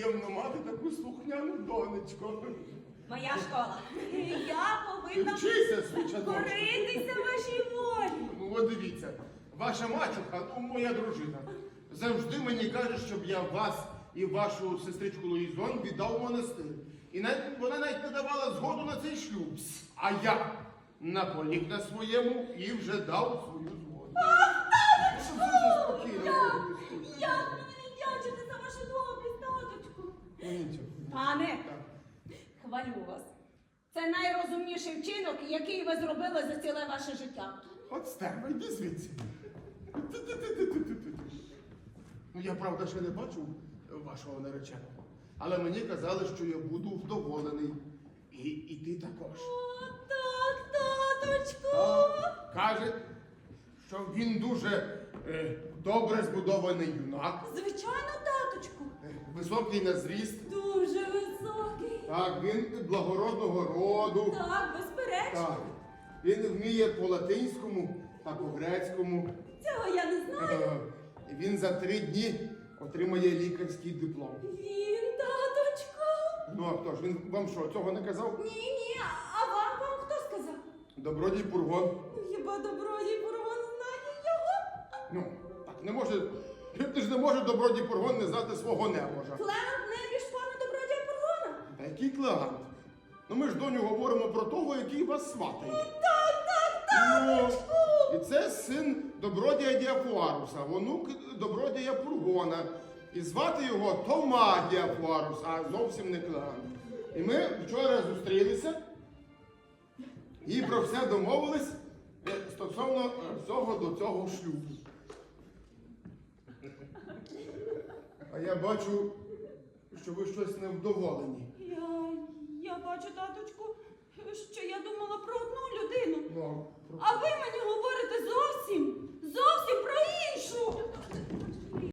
приємно мати таку слухняну донечку. Моя школа. Я повинна Вчися, свічаночку. коритися вашій волі. Ну, от дивіться, ваша мачуха, ну, моя дружина, завжди мені каже, щоб я вас і вашу сестричку Луїзон віддав у монастир. І вона навіть не давала згоду на цей шлюб. А я наполіг на своєму і вже дав свою згоду. Спокійно. Як мені не дячити за вашу добрість, таточку? Ну, нічого. Пане, Так. хвалю вас. Це найрозумніший вчинок, який ви зробили за ціле ваше життя. От стерва, йди звідси. Ну, я, правда, ще не бачив вашого нареченого. Але мені казали, що я буду вдоволений. І ти також. О, так, таточку. Так, каже, що він дуже добре збудований юнак, Звичайно, таточку. високий на зріст. Дуже високий. Так, він благородного роду. Так, безперечно. Так, він вміє по-латинському та по-грецькому. Цього я не знаю. Він за 3 дні отримає лікарський диплом. Він, таточку. Ну а хто ж? Він вам що, цього не казав? Ні, а вам хто сказав? Добродій Пургон. Хіба добродій Бургон знає його? Ну, так не може. Ти ж не може Добродій Пургон не знати свого небожа. Клемент небіж пана добродія Бургона. Та який клегант? Ну ми ж, доню, говоримо про того, який вас сватає. Таточку. І це син добродія Діафуаруса, онук добродія Пургона. І звати його Тома Діафуарус, а зовсім не клегант. І ми вчора зустрілися і про все домовились стосовно всього до цього шлюбу. А я бачу, що ви щось невдоволені. Я бачу, таточку, що я думала про одну людину. Ну, А ви